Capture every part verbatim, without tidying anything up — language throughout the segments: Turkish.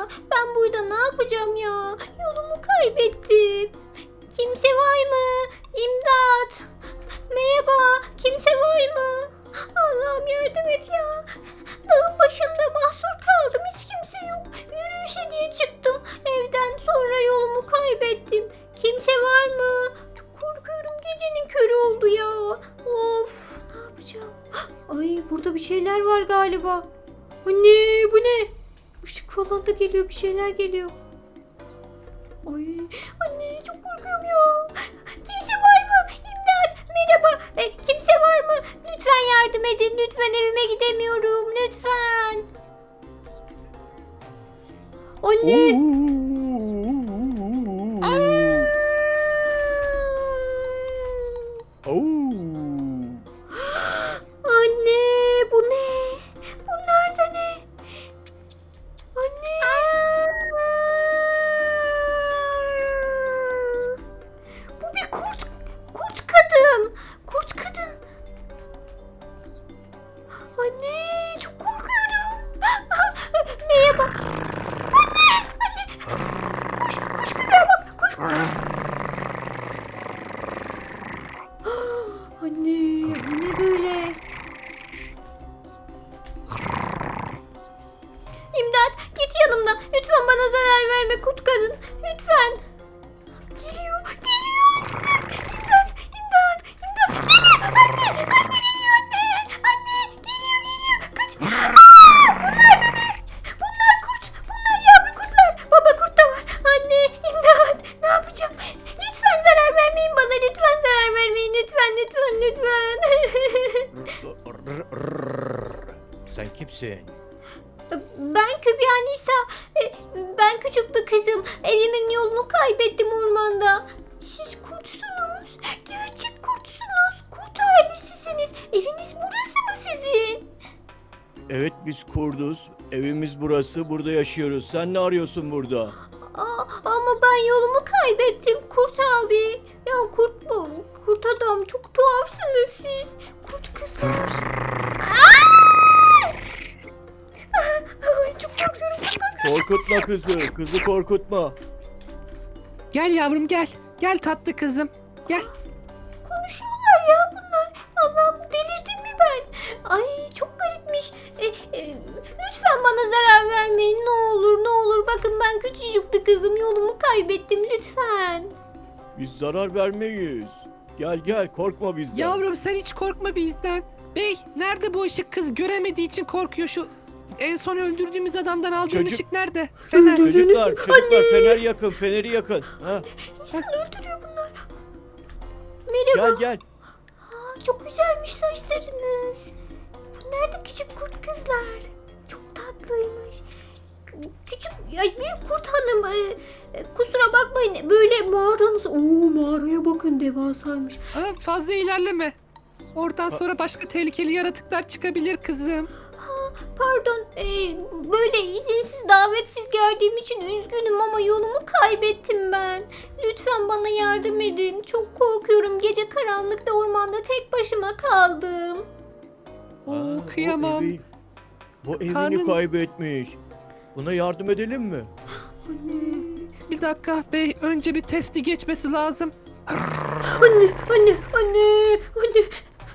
ya. Ben burada ne yapacağım ya? Yolumu kaybettim. Kimse var mı? İmdat. Merhaba. Kimse var mı? Allah'ım yardım et ya. Dağın başında mahsur kaldım. Hiç kimse yok. Yürüyüşe diye çıktım evden. Sonra yolumu kaybettim. Kimse var mı? Çok korkuyorum. Gecenin körü oldu ya. Of. Ne yapacağım? Ay burada bir şeyler var galiba. Anne bu ne? Işık falan da geliyor. Bir şeyler geliyor. Ay anne çok korkuyorum ya. Kimse var mı? İmdat. Merhaba. E, kimse var mı? Lütfen yardım edin. Lütfen evime gidemiyorum. Lütfen. Anne. Anne bu ne? Bunlar da ne? Anne. Bu bir kurt. Kurt kadın. Kurt kadın. Anne çok korkuyorum. Merhaba. Anne. Anne. Koş. Koş Kübra bak. Koş. Anne bu ne böyle? İmdat git yanımdan. Lütfen bana zarar verme kurt kadın. Lütfen. Geliyor. Geliyor. İmdat. İmdat. İmdat. Geliyor. Anne. Anne geliyor anne. Anne. Geliyor geliyor. Kaç. Aa, bunlar da ne? Bunlar kurt. Bunlar yavru kurtlar. Baba kurt da var. Anne. İmdat. Ne yapacağım? Lütfen zarar vermeyin bana. Lütfen zarar vermeyin. Lütfen. Lütfen. Lütfen. Sen kimsin? Ben Kübra Nisa. E, Ben küçük bir kızım. Evimin yolunu kaybettim ormanda. Siz kurtsunuz. Gerçek kurtsunuz. Kurt ailesisiniz. Eviniz burası mı sizin? Evet biz kurduz. Evimiz burası. Burada yaşıyoruz. Sen ne arıyorsun burada? Aa, ama ben yolumu kaybettim Kurt abi. Ya kurt bu. Kurt adam çok tuhafsınız siz. Kurt kızlar. Ay, çok korkuyorum çok korkuyorum. Korkutma kızı. Kızı korkutma. Gel yavrum gel. Gel tatlı kızım. Gel. Konuşuyorlar ya bunlar. Allah'ım delirdim mi ben? Ay çok garipmiş. E, e, lütfen bana zarar vermeyin ne olur ne olur. Bakın ben küçücük bir kızım yolumu kaybettim lütfen. Biz zarar vermeyiz. Gel gel korkma bizden. Yavrum sen hiç korkma bizden. Bey nerede bu ışık, kız göremediği için korkuyor. Şu en son öldürdüğümüz adamdan aldığın Çocuk- ışık nerede? Fener. Çocuklar çocuklar fener yakın. Feneri yakın. Ha, İnsan öldürüyor bunlar. Merhaba. gel gel. Aa, çok güzelmiş saçlarınız. Bunlar da küçük kurt kızlar. Çok tatlıymış. Küçük, ya büyük kurt hanım e, e, kusura bakmayın böyle mağaranız. Oo mağaraya bakın devasaymış. Aa, fazla ilerleme. Oradan sonra başka tehlikeli yaratıklar çıkabilir kızım. Pardon e, böyle izinsiz davetsiz geldiğim için üzgünüm ama yolumu kaybettim ben. Lütfen bana yardım edin. Çok korkuyorum. Gece karanlıkta ormanda tek başıma kaldım. Oo, Ha, kıyamam. O evi, bu evini Karnın- kaybetmiş. Buna yardım edelim mi? Bir dakika bey, önce bir testi geçmesi lazım. Anne, anne, anne, anne.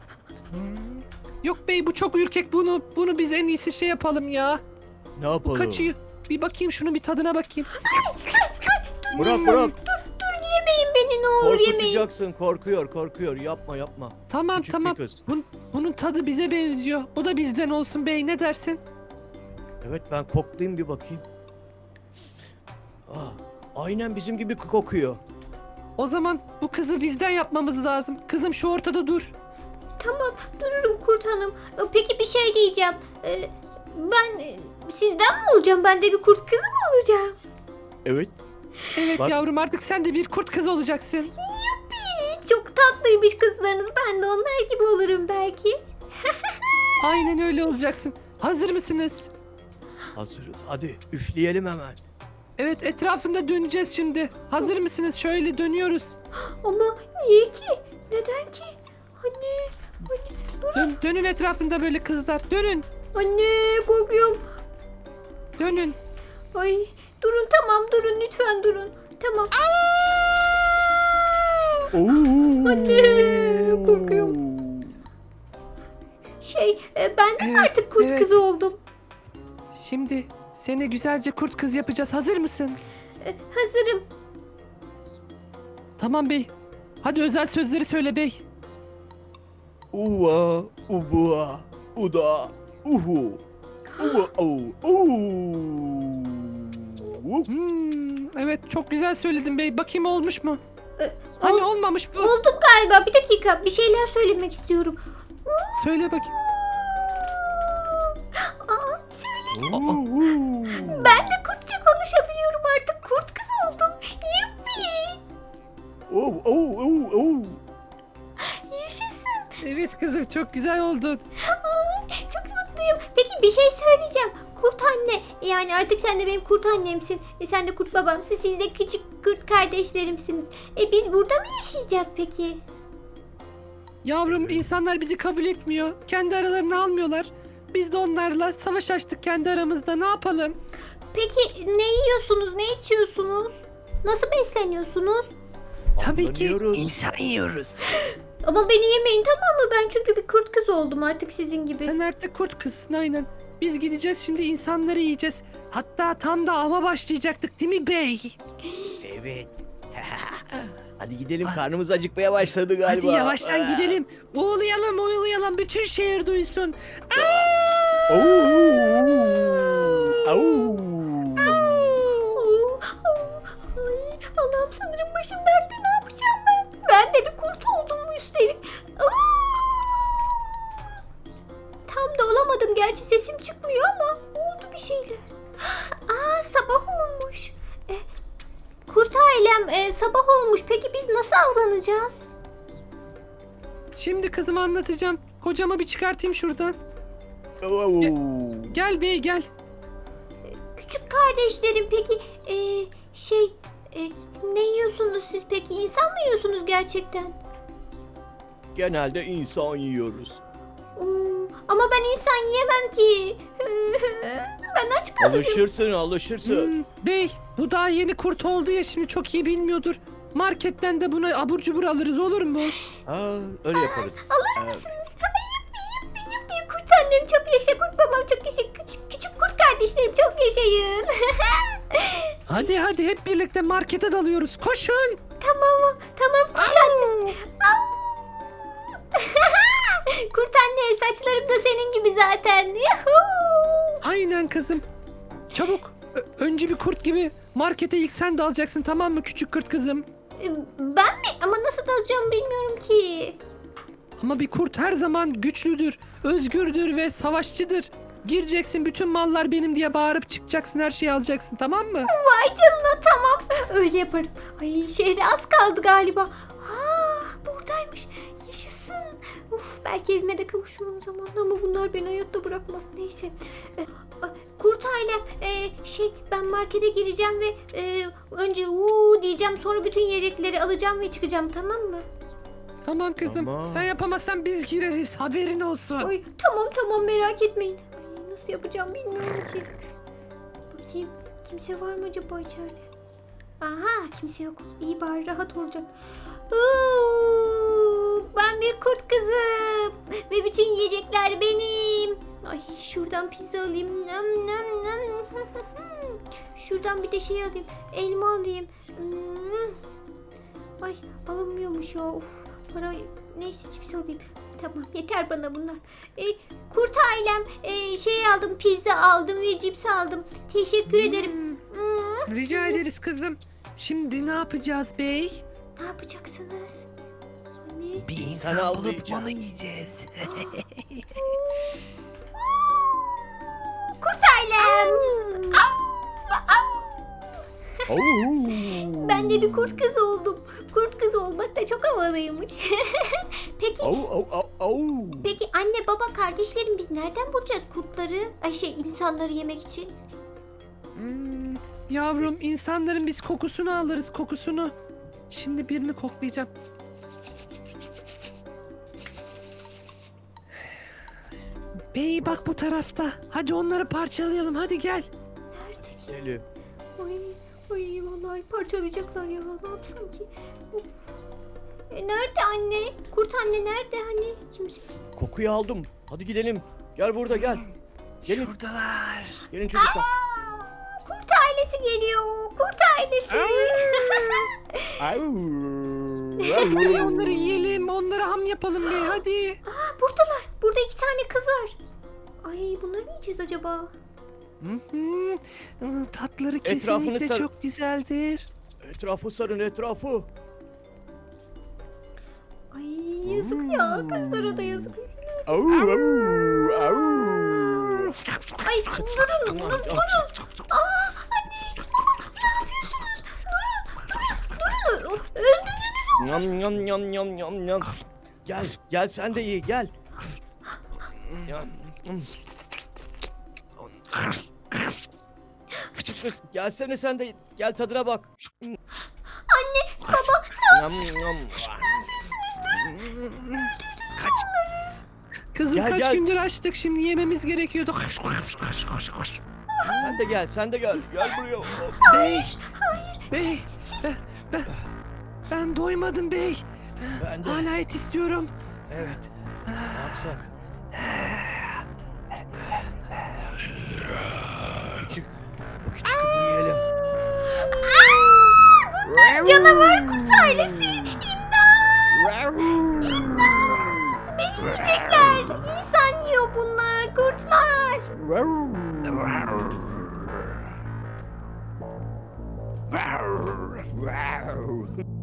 Yok bey bu çok ürkek, bunu bunu biz en iyisi şey yapalım ya. Ne yapalım? Kaçıyor. Bir bakayım şunun bir tadına bakayım. Bırak bırak. Dur yemeyin beni ne olur yemeyin. Korkutacaksın. Korkuyor korkuyor. Yapma yapma. Tamam Küçük bir tamam. kız. Bun, bunun tadı bize benziyor. Bu da bizden olsun bey, ne dersin? Evet ben koklayayım bir bakayım. Aa, aynen bizim gibi kokuyor. O zaman bu kızı bizden yapmamız lazım. Kızım şu ortada dur. Tamam dururum kurt hanım. E, Peki bir şey diyeceğim. E, Ben e, sizden mi olacağım? Ben de bir kurt kızı mı olacağım? Evet. Evet Bak. yavrum, artık sen de bir kurt kız olacaksın. Yuppi, çok tatlıymış kızlarınız. Ben de onlar gibi olurum belki. Aynen öyle olacaksın. Hazır mısınız? Hazırız. Hadi üfleyelim hemen. Evet, etrafında döneceğiz şimdi. Hazır mısınız? Şöyle dönüyoruz. Ama niye ki? Neden ki? Anne, anne, Dön, dönün etrafında böyle kızlar. Dönün. anne korkuyorum. Dönün. Ay durun tamam durun lütfen durun. Tamam. Oo. Anne, korkuyorum. Şey e, ben de Evet, artık kurt evet. kızı oldum. Şimdi seni güzelce kurt kız yapacağız. Hazır mısın? E, hazırım. Tamam bey. Hadi özel sözleri söyle bey. Uva, ubua, uda, uhu. Uva, au, au. Hmm, evet çok güzel söyledin bey. Bakayım olmuş mu? E, Hani ol- olmamış bu. Oldum galiba. Bir dakika bir şeyler söylemek istiyorum. Söyle bakayım. Aa, söyle. Uhu. Ben de kurtça konuşabiliyorum artık. Kurt kız oldum. Yuppi. Oh, oh, oh, oh. Yaşasın. Evet kızım çok güzel oldun. Ay, çok mutluyum. Peki bir şey söyleyeceğim. Kurt anne. Yani artık sen de benim kurt annemsin. E, sen de kurt babamsın. Siz de küçük kurt kardeşlerimsiniz. E biz burada mı yaşayacağız peki? Yavrum insanlar bizi kabul etmiyor. Kendi aralarını almıyorlar. Biz de onlarla savaş açtık kendi aramızda. Ne yapalım? Peki ne yiyorsunuz? Ne içiyorsunuz? Nasıl besleniyorsunuz? Tabii ki Anlanıyoruz. insan yiyoruz. Ama beni yemeyin tamam mı? Ben çünkü bir kurt kız oldum artık sizin gibi. Sen artık kurt kızsın aynen. Biz gideceğiz şimdi insanları yiyeceğiz. Hatta tam da ava başlayacaktık değil mi bey? Evet. Hadi gidelim, karnımız acıkmaya başladı galiba. Hadi yavaştan gidelim. Uğulayalım uğulayalım bütün şehir duysun. Oo. Au. Oo, oo, ay, Allah'ım sanırım başım dertte ne yapacağım ben? Ben de bir kurt oldum mu üstelik? Aa! Tam da olamadım gerçi sesim çıkmıyor ama oldu bir şeyler. Aa sabah olmuş. E, kurt ailem e, sabah olmuş. Peki biz nasıl avlanacağız? Şimdi kızıma anlatacağım. Kocama bir çıkartayım şuradan. Oo. Gel bey gel. Küçük kardeşlerim peki e, şey e, ne yiyorsunuz siz peki? İnsan mı yiyorsunuz gerçekten? Genelde insan yiyoruz. Oo, ama ben insan yiyemem ki. Ben aç kalırım. Alışırsın, alışırsın. Hmm, bey bu daha yeni kurt oldu ya şimdi çok iyi bilmiyordur. Marketten de buna abur cubur alırız olur mu? Ha, öyle yaparız. Alır Evet. mısınız? Ay, yuppi yuppi yuppi. Kurt annem çok yaşa, kurt babam çok yaşa, küçük, küçük kurt kardeşlerim çok yaşayın. Hadi hadi hep birlikte markete dalıyoruz. Koşun. Tamam tamam kurt anne. Au. Kurt anne saçlarım da senin gibi zaten. Yuhuu. Aynen kızım. Çabuk. Ö- önce bir kurt gibi markete ilk sen dalacaksın tamam mı küçük kurt kızım? Ben mi? Ama nasıl dalacağımı bilmiyorum ki. Ama bir kurt her zaman güçlüdür, özgürdür ve savaşçıdır. Gireceksin bütün mallar benim diye bağırıp çıkacaksın her şeyi alacaksın tamam mı? Vay canına tamam. Öyle yaparım. Ay şehre az kaldı galiba. Ha buradaymış. Yaşasın. Uf belki evime de kavuşurum zamanla ama bunlar beni hayatta bırakmaz. Neyse. Ee, kurt ailem e, şey ben markete gireceğim ve e, önce uuu diyeceğim sonra bütün yiyecekleri alacağım ve çıkacağım tamam mı? Tamam kızım. Tamam. Sen yapamazsan biz gireriz haberin olsun. Ay tamam tamam merak etmeyin. Ay, nasıl yapacağım bilmiyorum ki. Bakayım kimse var mı acaba içeride? Aha kimse yok. İyi bari rahat olacak. Uuu, ben bir kurt kızım. Ve bütün yiyecekler benim. Ay şuradan pizza alayım. Nam nam nam. Şuradan bir de şey alayım. Elma alayım. Hmm. Ay alınmıyormuş ya. Of, para neyse cips alayım. Tamam yeter bana bunlar. E, kurt ailem e, şey aldım pizza aldım ve cips aldım. Teşekkür ederim. Hmm. Rica ederiz kızım. Şimdi ne yapacağız bey? Ne yapacaksınız? Anne. Bir insan bulup avlayacağız. onu yiyeceğiz. Kurt ailem. Au, au. Oo. Ben de bir kurt kız oldum. Kurt kız olmak da çok havalıymış. Peki Au, au, au, au. peki anne baba kardeşlerim biz nereden bulacağız kurtları? Ay şey insanları yemek için. Hmm, yavrum insanların biz kokusunu alırız kokusunu. Şimdi birini koklayacağım. Bey bak bu tarafta. Hadi onları parçalayalım hadi gel. Nerede Gidelim. Ay, ay vallahi parçalayacaklar ya. Ne yapsam ki? Of. E, nerede anne? Kurt anne nerede hani? Kimse... Kokuyu aldım. Hadi gidelim. Gel burada gel. Gelin. Şuradalar. Gelin çocuklar. Kurt ailesi geliyor. Kurt ailesi. Hadi onları yiyelim, onları ham yapalım be hadi. Aa, buradalar. Burada iki tane kız var. Ay bunları mı yiyeceğiz acaba? Hı hı. Tatları Etrafını kesinlikle sar- çok güzeldir. Etrafı sarın etrafı. Ay yazık ya. Kızlara da yazık. Au, au, au. Ay durun. Durun. Durun. Aa anne. Baba ne yapıyorsunuz? Durun. Durun. Öldürdünüz. Yam yam yam yam yam yam. Gel, gel sen de ye, gel. Yam, yam. Küçük kız, gelsene sen de, gel tadına bak. Anne. Baba. Yam yam. Kızım Gel, kaç gel. gündür açtık, şimdi yememiz gerekiyordu. Sen de gel, sen de gel. Gel buraya. Hop. Bey, bey, ben, ben, ben doymadım bey. Ben de. Hala et istiyorum. Evet. Ne yapsak? Küçük. Bu küçük kızı yiyelim. Canavar kurt ailesi. İmdat. Beni yiyecekler. İnsan yiyor bunlar. Kurtlar. Wow.